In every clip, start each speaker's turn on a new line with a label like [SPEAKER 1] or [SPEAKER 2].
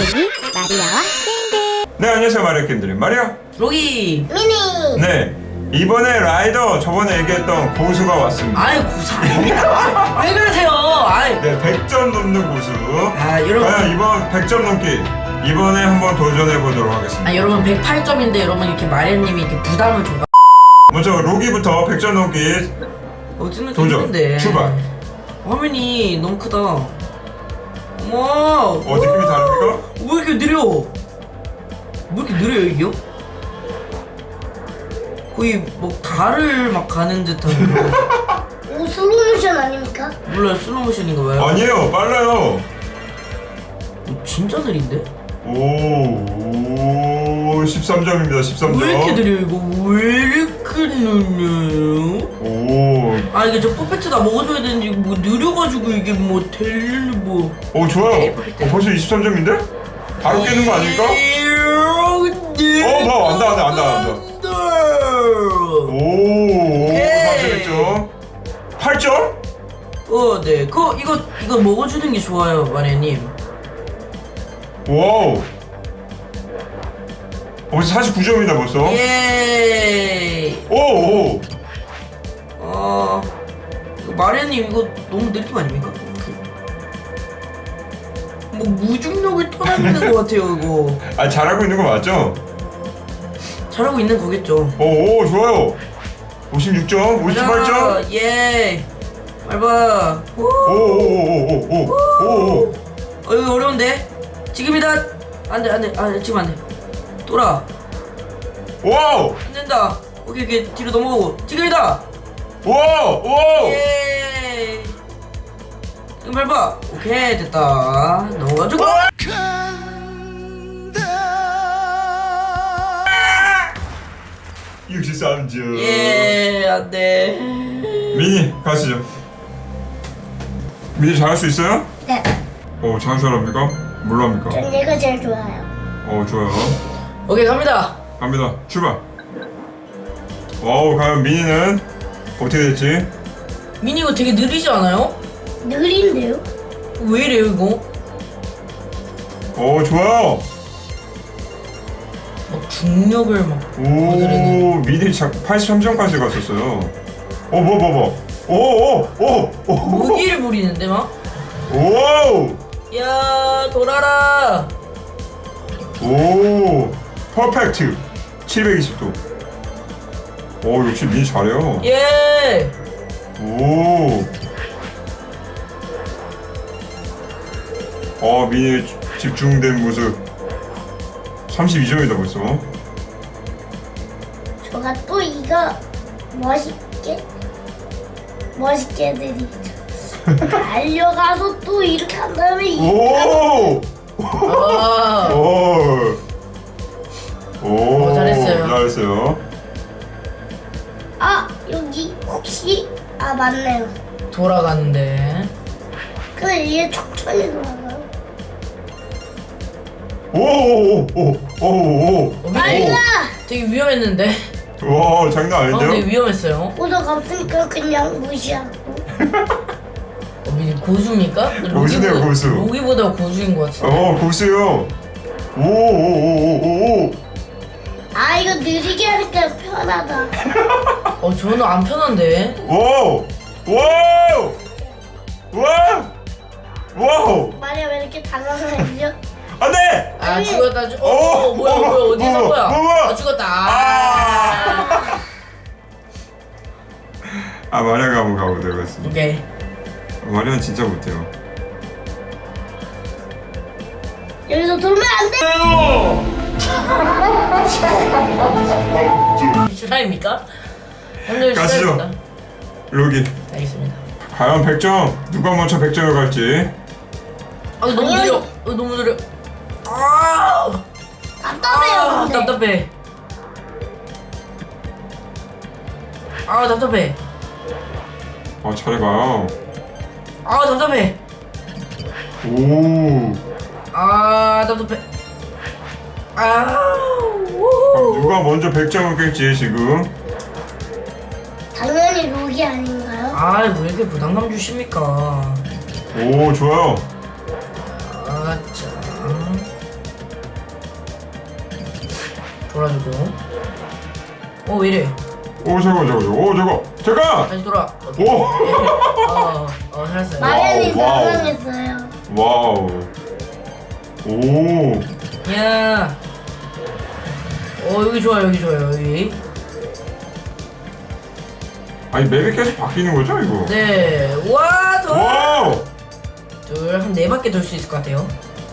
[SPEAKER 1] 로기, 마리아와 땡땡.
[SPEAKER 2] 네, 안녕하세요. 마리아 게임들의 마리아
[SPEAKER 3] 로기.
[SPEAKER 1] 미니.
[SPEAKER 2] 네, 이번에 라이더 저번에 얘기했던 고수가 왔습니다.
[SPEAKER 3] 아이 고수 아닙니다. 왜 그러세요? 아이.
[SPEAKER 2] 네, 100점 넘는 고수.
[SPEAKER 3] 아 여러분.
[SPEAKER 2] 과연 이번 100점 넘기 이번에 한번 도전해 보도록 하겠습니다.
[SPEAKER 3] 아 여러분 108점인데 여러분 이렇게 마리아님이 이렇게 부담을 좀.
[SPEAKER 2] 먼저 로기부터 100점 넘기
[SPEAKER 3] 어쩌면
[SPEAKER 2] 도전
[SPEAKER 3] 힘든데.
[SPEAKER 2] 출발.
[SPEAKER 3] 화면이 너무 크다. 어머.
[SPEAKER 2] 느낌이 다릅니까?
[SPEAKER 3] 왜 이렇게 느려? 왜 이렇게 느려요 이게요? 거의 뭐 달을 막 가는 듯한 그런.
[SPEAKER 1] 오, 슬로모션 아닙니까?
[SPEAKER 3] 몰라요, 슬로모션인가 봐요.
[SPEAKER 2] 아니에요, 빨라요.
[SPEAKER 3] 진짜 느린데?
[SPEAKER 2] 오, 13점입니다. 13점.
[SPEAKER 3] 왜 이렇게 느려 이거? 왜 이렇게 느려요?
[SPEAKER 2] 오,
[SPEAKER 3] 이게 저 퍼펙트 다 먹어줘야 되는데 이거 뭐 느려가지고 이게 뭐 될 뭐.
[SPEAKER 2] 좋아요. 벌써 23점인데? 바로 깨는 거 아닙니까? 봐, 안다. 오, 41점. 8점?
[SPEAKER 3] 네. 이거 먹어주는 게 좋아요, 마리아님.
[SPEAKER 2] 와우. 벌써 49점이다 벌써.
[SPEAKER 3] 예.
[SPEAKER 2] 오.
[SPEAKER 3] 이거 마리아님 이거 너무 느린 거 아닙니까? 뭐 무중력을 터나는 것 같아요 이거.
[SPEAKER 2] 잘하고 있는 거 맞죠?
[SPEAKER 3] 잘하고 있는 거겠죠.
[SPEAKER 2] 오, 좋아요. 56점, 58점.
[SPEAKER 3] 예. 밟아.
[SPEAKER 2] 오.
[SPEAKER 3] 이거 어려운데? 지금이다. 안돼. 지금 안돼. 돌아.
[SPEAKER 2] 와우.
[SPEAKER 3] 안 된다. 오케이 뒤로 넘어가고. 지금이다.
[SPEAKER 2] 와우.
[SPEAKER 3] 예. 지금 밟아. 오케이 됐다. 넘어가지고.
[SPEAKER 2] 63점.
[SPEAKER 3] 예. 안돼.
[SPEAKER 2] 미니 가시죠. 미니 잘할 수 있어요?
[SPEAKER 1] 네.
[SPEAKER 2] 잘할 줄 압니까? 뭘로 합니까?
[SPEAKER 1] 전 얘가 제일 좋아요.
[SPEAKER 2] 좋아요.
[SPEAKER 3] 오케이 갑니다.
[SPEAKER 2] 갑니다. 출발. 과연 미니는 어떻게 됐지?
[SPEAKER 3] 미니 이거 되게 느리지 않아요?
[SPEAKER 1] 느린데요?
[SPEAKER 3] 왜 이래요 이거?
[SPEAKER 2] 좋아요.
[SPEAKER 3] 막 중력을 막.
[SPEAKER 2] 오, 미니 83점까지 갔었어요.
[SPEAKER 3] 무기를 부리는데 막.
[SPEAKER 2] 오,
[SPEAKER 3] 야 돌아라.
[SPEAKER 2] 오, 퍼펙트. 720도. 역시 미니 잘해요.
[SPEAKER 3] 예.
[SPEAKER 2] 미니 집중된 모습. 32점이다 벌써.
[SPEAKER 1] 저가 또 이거 멋있게 드리죠. 달려가서 또 이렇게 한 다음에
[SPEAKER 2] 오,
[SPEAKER 3] 아. 잘했어요.
[SPEAKER 2] 잘했어요.
[SPEAKER 1] 여기 혹시 맞네요.
[SPEAKER 3] 돌아가는데.
[SPEAKER 1] 근데 얘 천천히 돌아가요.
[SPEAKER 2] 오.
[SPEAKER 1] 빨리가!
[SPEAKER 3] 되게 위험했는데.
[SPEAKER 2] 와, 장난
[SPEAKER 3] 되게
[SPEAKER 2] 아닌데요?
[SPEAKER 3] 위험했어요.
[SPEAKER 1] 고도가 없으니까 그냥 무시하고.
[SPEAKER 3] 고수입니까?
[SPEAKER 2] 고수네요, 고수.
[SPEAKER 3] 로기보다 고수인 것 같은데.
[SPEAKER 2] 고수요. 오.
[SPEAKER 1] 이거 느리게 하니까 편하다.
[SPEAKER 3] 저는 안 편한데.
[SPEAKER 2] 와우.
[SPEAKER 1] 마리아 왜 이렇게 당황하죠?
[SPEAKER 2] 안돼.
[SPEAKER 3] 죽었다. 뭐야 어디서 뭐야? 죽었다.
[SPEAKER 2] 마리아가 한번 가보도록 하겠습니다.
[SPEAKER 3] 오케이.
[SPEAKER 2] 마리아는 진짜 못해요.
[SPEAKER 1] 여기서 돌면 안 돼!
[SPEAKER 3] 실화입니까? 현재
[SPEAKER 2] 가시죠.
[SPEAKER 3] 실화입니다.
[SPEAKER 2] 로기.
[SPEAKER 3] 알겠습니다.
[SPEAKER 2] 과연 100점 누가 먼저 100점을 갈지.
[SPEAKER 3] 너무 느려. 너무 느려.
[SPEAKER 1] 답답해요, 근데.
[SPEAKER 3] 답답해. 답답해.
[SPEAKER 2] 잘해봐요.
[SPEAKER 3] 답답해.
[SPEAKER 2] 오.
[SPEAKER 3] 답답해.
[SPEAKER 2] 그럼 누가 먼저 100점을 깰지 지금.
[SPEAKER 1] 당연히 록이 아닌가요?
[SPEAKER 3] 왜 이렇게 부담감 주십니까?
[SPEAKER 2] 오, 좋아요.
[SPEAKER 3] 자. 돌아주고. 왜 이래?
[SPEAKER 2] 오 잠깐.
[SPEAKER 3] 다시 돌아.
[SPEAKER 2] 오.
[SPEAKER 3] 살았어요.
[SPEAKER 1] 마련이
[SPEAKER 2] 와우.
[SPEAKER 1] 당황했어요.
[SPEAKER 2] 와우. 오.
[SPEAKER 3] 야. 여기 좋아요, 여기.
[SPEAKER 2] 아니 맵이 계속 바뀌는 거죠 이거?
[SPEAKER 3] 네. 와, 돌.
[SPEAKER 2] 와우.
[SPEAKER 3] 둘, 한 4바퀴 돌 수 있을 것 같아요.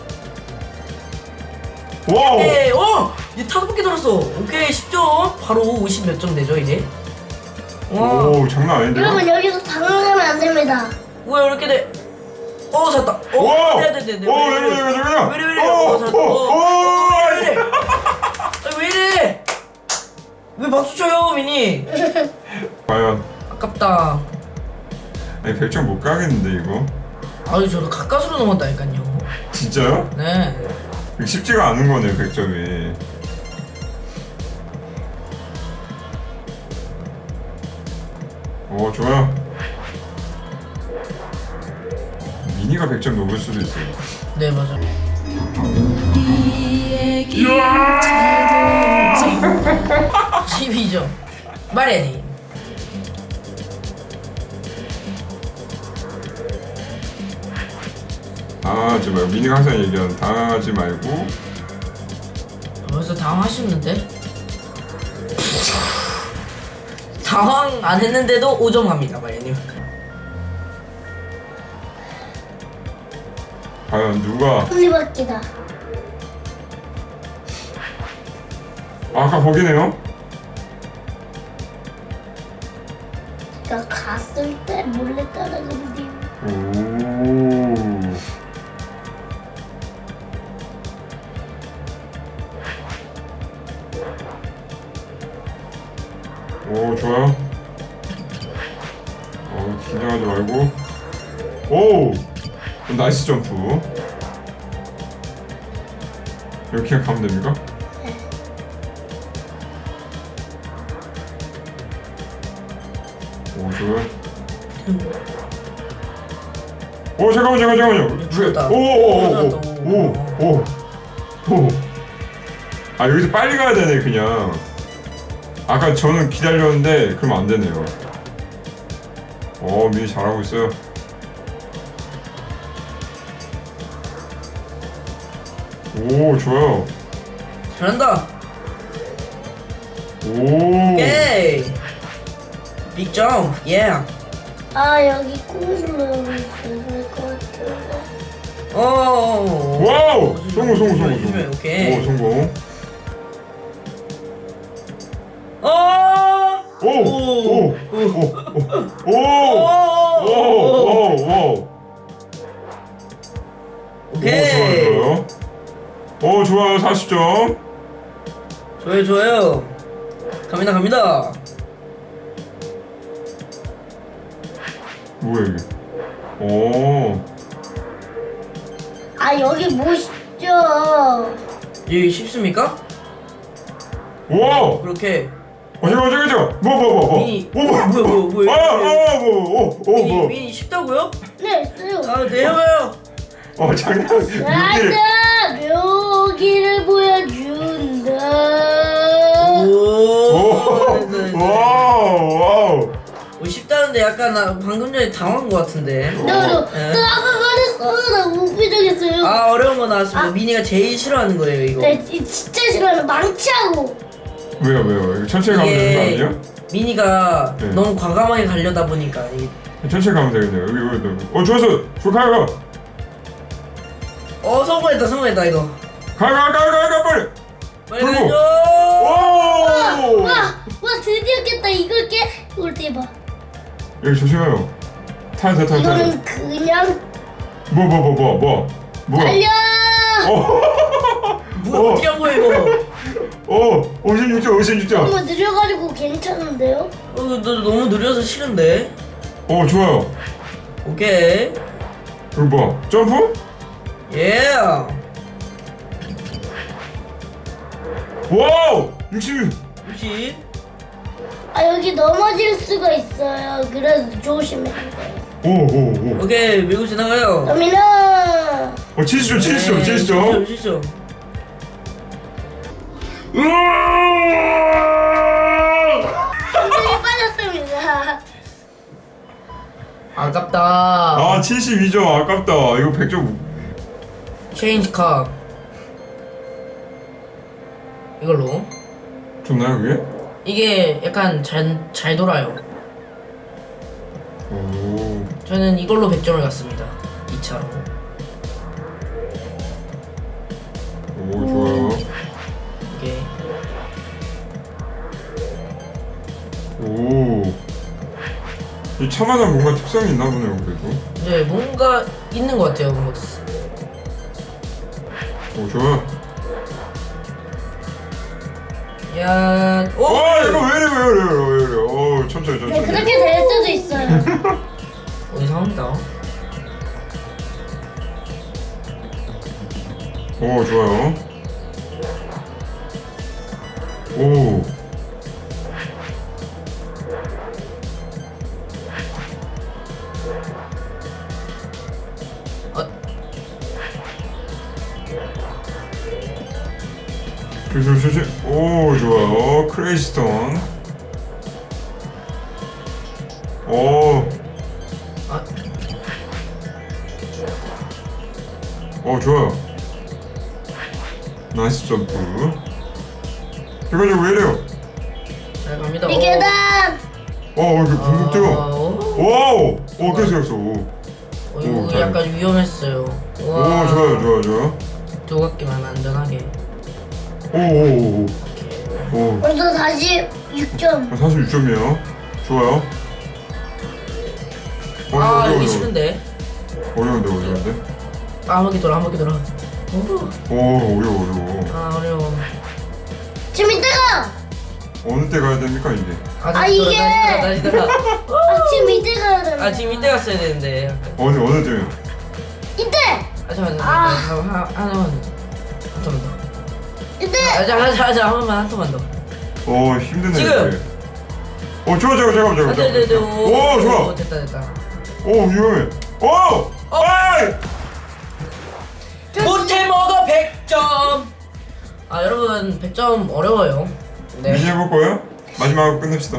[SPEAKER 2] 와우.
[SPEAKER 3] 네, 얘 5바퀴 돌았어. 오케이, 10점. 바로 50 몇 점 되죠, 이제? 와.
[SPEAKER 2] 오 장난 아닌데요?
[SPEAKER 1] 여러분 여기서 당황하면 안 됩니다.
[SPEAKER 3] 왜 이렇게 돼? 샀다.
[SPEAKER 2] 오.
[SPEAKER 3] 네.
[SPEAKER 2] 오 잠깐만.
[SPEAKER 3] 왜 이래? 샀다. 왜 이래? 왜 이래? 왜 박수 쳐요, 미니?
[SPEAKER 2] 과연.
[SPEAKER 3] 아깝다.
[SPEAKER 2] 아니 100점 못 가겠는데 이거?
[SPEAKER 3] 저도 가까스로 넘었다니까요.
[SPEAKER 2] 진짜요?
[SPEAKER 3] 네.
[SPEAKER 2] 쉽지가 않은 거네요 100점이. 오 좋아요. 미니가 100점 넘을 수도 있어요.
[SPEAKER 3] 네, 맞아. 12점. 마레니.
[SPEAKER 2] 당하지 말고 미니가 항상 얘기하는 당하지 말고.
[SPEAKER 3] 벌써 당황하셨는데? 당황 안 했는데도 5점 갑니다, 마레님.
[SPEAKER 2] 과연 누가?
[SPEAKER 1] 톱니바퀴다.
[SPEAKER 2] 아까 거기네요?
[SPEAKER 1] 제가 갔을 때 몰래 따라가는데요.
[SPEAKER 2] 오 좋아요. 긴장하지 말고. 오 나이스 점프. 이렇게 가면 됩니까? 오 좋아요. 오 잠깐만요.
[SPEAKER 3] 죽었다.
[SPEAKER 2] 오오오오오오. 아 여기서 빨리 가야 되네 그냥. 아까 저는 기다렸는데 그러면 안 되네요. 미니 잘하고 있어요. 오 좋아요.
[SPEAKER 3] 잘한다.
[SPEAKER 2] 오.
[SPEAKER 3] 오케이. 빅점. 예.
[SPEAKER 1] 여기 꾹 눌러고 있어야 될 것 같은데.
[SPEAKER 2] 와우. 성공.
[SPEAKER 3] 조심해, 오케이.
[SPEAKER 2] 오 성공. 오.
[SPEAKER 3] 오케이.
[SPEAKER 2] 오 좋아요 40점.
[SPEAKER 3] 좋아요. 갑니다.
[SPEAKER 2] 뭐야 이게? 오.
[SPEAKER 1] 여기 멋있죠.
[SPEAKER 3] 여기 쉽습니까?
[SPEAKER 2] 와.
[SPEAKER 3] 그렇게.
[SPEAKER 2] 잠깐. 뭐.
[SPEAKER 3] 미니. 뭐야.
[SPEAKER 2] 뭐.
[SPEAKER 3] 미니 쉽다고요?
[SPEAKER 1] 네, 있어요.
[SPEAKER 3] 네, 해봐요.
[SPEAKER 2] 장난.
[SPEAKER 1] 나다 묘기를 보여준다.
[SPEAKER 2] 와우.
[SPEAKER 3] 쉽다는데 약간 나 방금 전에 당황한 것 같은데.
[SPEAKER 1] 나 아까 말했어. 나 무비정했어요.
[SPEAKER 3] 어려운 거 나왔습니다. 미니가 제일 싫어하는 거예요, 이거.
[SPEAKER 1] 네, 진짜 싫어요. 망치하고.
[SPEAKER 2] 왜요? 이거 천천히 가면 되는 거 아니에요?
[SPEAKER 3] 미니가
[SPEAKER 2] 네.
[SPEAKER 3] 너무 과감하게 가려다 보니까
[SPEAKER 2] 천천히 가면 되겠네요. 여기. 좋았어. 가.
[SPEAKER 3] 성공했다 이거.
[SPEAKER 2] 가 빨리.
[SPEAKER 3] 빨리
[SPEAKER 2] 그리고.
[SPEAKER 3] 가죠.
[SPEAKER 2] 오.
[SPEAKER 1] 와, 드디어 깼다. 이걸 깨? 이걸 대봐.
[SPEAKER 2] 여기 조심해요. 타.
[SPEAKER 1] 이거는 그냥
[SPEAKER 2] 뭐.
[SPEAKER 1] 달려.
[SPEAKER 3] 뭐야 어떻게 한 거야 이거?
[SPEAKER 2] 56점.
[SPEAKER 1] 너무 느려가지고 괜찮은데요?
[SPEAKER 3] 너 너무 느려서 싫은데.
[SPEAKER 2] 좋아요.
[SPEAKER 3] 오케이.
[SPEAKER 2] 그럼 뭐 점프?
[SPEAKER 3] 예.
[SPEAKER 2] 와우 66.
[SPEAKER 3] 혹시
[SPEAKER 1] 여기 넘어질 수가 있어요. 그래서 조심해야 돼요.
[SPEAKER 2] 오.
[SPEAKER 3] 오케이 밀고 지나가요.
[SPEAKER 1] 도미노.
[SPEAKER 2] 70점.
[SPEAKER 3] 진짜.
[SPEAKER 1] 힘이 빠졌습니다.
[SPEAKER 3] 아깝다.
[SPEAKER 2] 아 72점 아깝다. 이거 100점.
[SPEAKER 3] 체인지 컵. 이걸로.
[SPEAKER 2] 좋나요 그게?
[SPEAKER 3] 이게 약간 잘 돌아요.
[SPEAKER 2] 오.
[SPEAKER 3] 저는 이걸로 100점을 갔습니다. 2차로.
[SPEAKER 2] 오 좋아요.
[SPEAKER 3] 이게
[SPEAKER 2] 오. 이 차마다 뭔가 특성이 있나 보네요 그래도.
[SPEAKER 3] 네, 뭔가 있는 것 같아요. 뭔가.
[SPEAKER 2] 오 좋아요.
[SPEAKER 3] 야, 오!
[SPEAKER 2] 와 이거 왜 이래 왜 이래. 오 천천히
[SPEAKER 1] 네,
[SPEAKER 2] 천천히.
[SPEAKER 1] 그렇게 될 수도 있어요.
[SPEAKER 3] 이상합니다.
[SPEAKER 2] 오 좋아요. 오.
[SPEAKER 3] 아,
[SPEAKER 2] 조심. 오 좋아요. 크레이스톤. 오.
[SPEAKER 3] 아,
[SPEAKER 2] 오 좋아요. 나이스 점프. 이거 왜 이래요?
[SPEAKER 3] 잘 갑니다.
[SPEAKER 1] 이 계단.
[SPEAKER 2] 이거 붕붕 뛰어. 와우. 오 계속. 오
[SPEAKER 3] 이거
[SPEAKER 2] 잘.
[SPEAKER 3] 약간 위험했어요.
[SPEAKER 2] 오 좋아요.
[SPEAKER 3] 두 바퀴만 안전하게.
[SPEAKER 2] 오.
[SPEAKER 1] 벌써 46점.
[SPEAKER 2] 46점이에요. 좋아요.
[SPEAKER 3] 아,
[SPEAKER 2] 어려워.
[SPEAKER 3] 여기 싫은데.
[SPEAKER 2] 어려운데.
[SPEAKER 3] 아, 한 바퀴 돌아, 한 바퀴 돌아. 오,
[SPEAKER 2] 오 어려워.
[SPEAKER 3] 아, 어려워.
[SPEAKER 1] 지금 이때가.
[SPEAKER 2] 어느 때 가야 됩니까 이게?
[SPEAKER 3] 아,
[SPEAKER 1] 아,
[SPEAKER 3] 다시 돌아,
[SPEAKER 1] 이게!
[SPEAKER 3] 다시 돌아.
[SPEAKER 1] 지금 이때 가야 되는.
[SPEAKER 3] 아, 지금 이때 갔어야 되는데.
[SPEAKER 2] 어느 때요?
[SPEAKER 1] 이때.
[SPEAKER 3] 아, 잠깐만.
[SPEAKER 1] 아.
[SPEAKER 3] 하나만. 한 턴만 더.
[SPEAKER 1] 이때.
[SPEAKER 3] 한 번만, 한 턴만 더.
[SPEAKER 2] 힘드네.
[SPEAKER 3] 지금!
[SPEAKER 2] 이게. 잠깐만.
[SPEAKER 3] 아, 네.
[SPEAKER 2] 오 좋아.
[SPEAKER 3] 됐다.
[SPEAKER 2] 오 위험해. 오. 아이.
[SPEAKER 3] 못해 먹어 100점. 아, 여러분 100점 어려워요. 네.
[SPEAKER 2] 미니 해볼 거예요? 마지막으로 끝냅시다.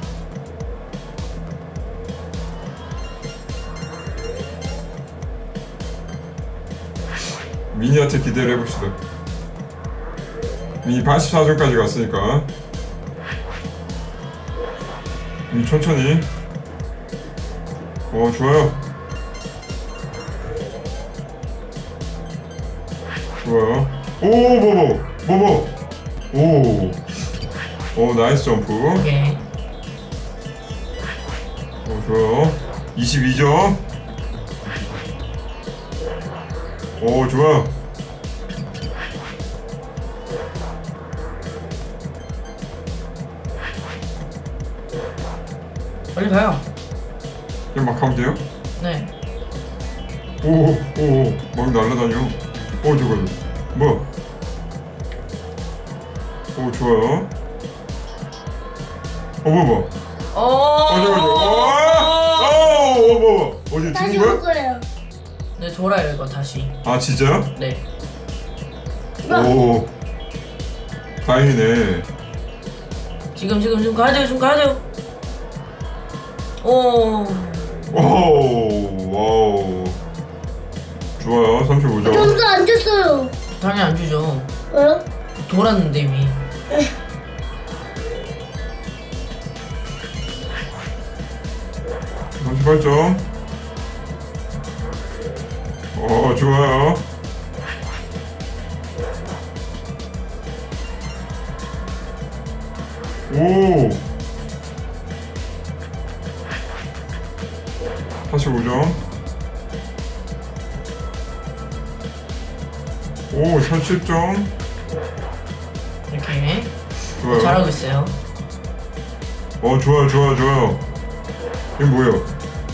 [SPEAKER 2] 미니한테 기대를 해봅시다. 미니 84점까지 갔으니까 미니 천천히. 좋아요. 오 나이스 점프.
[SPEAKER 3] 오케이.
[SPEAKER 2] 좋아요. 22점. 좋아요.
[SPEAKER 3] 빨리 가요.
[SPEAKER 2] 그냥 막 하면 돼요?
[SPEAKER 3] 네.
[SPEAKER 2] 막 날라다녀. 저거. 뭐야? 좋아요. 뭐야. 어디
[SPEAKER 1] 다시
[SPEAKER 2] 죽은
[SPEAKER 1] 올
[SPEAKER 2] 거야?
[SPEAKER 1] 거예요.
[SPEAKER 3] 네, 돌아요 이거 다시.
[SPEAKER 2] 아 진짜요?
[SPEAKER 3] 네.
[SPEAKER 2] 오 다행이네.
[SPEAKER 3] 지금 가야 돼요. 지금 가야 돼요. 오.
[SPEAKER 2] 와우. 좋아요. 35점.
[SPEAKER 1] 점수 안 줬어요.
[SPEAKER 3] 당연히 안 주죠.
[SPEAKER 1] 왜요?
[SPEAKER 3] 돌았는데 이미.
[SPEAKER 2] 점 38점. 좋아요. 오. 45점. 오, 40점.
[SPEAKER 3] 이렇게
[SPEAKER 2] 좋아요.
[SPEAKER 3] 잘하고 있어요.
[SPEAKER 2] 좋아요. 이게 뭐예요?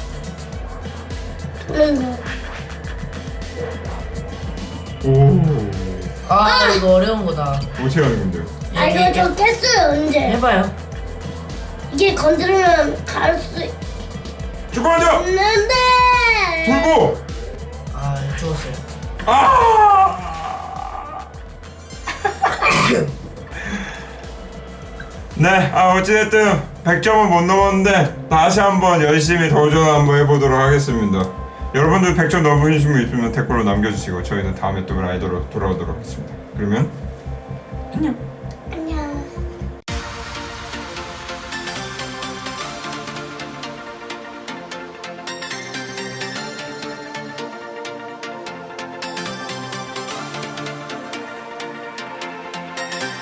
[SPEAKER 2] 오.
[SPEAKER 3] 아, 이거 어려운 거다.
[SPEAKER 2] 어떻게 하는 건데요?
[SPEAKER 1] 아 이거 저 깼어요 언제?
[SPEAKER 3] 해봐요.
[SPEAKER 1] 이게 건드리면 갈 수
[SPEAKER 2] 축구하자!
[SPEAKER 1] 있는데.
[SPEAKER 2] 불고!
[SPEAKER 3] 아, 죽었어요.
[SPEAKER 2] 아! 네, 어찌됐든 100점은 못 넘었는데 다시 한번 열심히 도전 한번 해보도록 하겠습니다. 여러분들 100점 넘으신 분 있으면 댓글로 남겨주시고 저희는 다음에 또 라이더로 돌아오도록 하겠습니다. 그러면 안녕.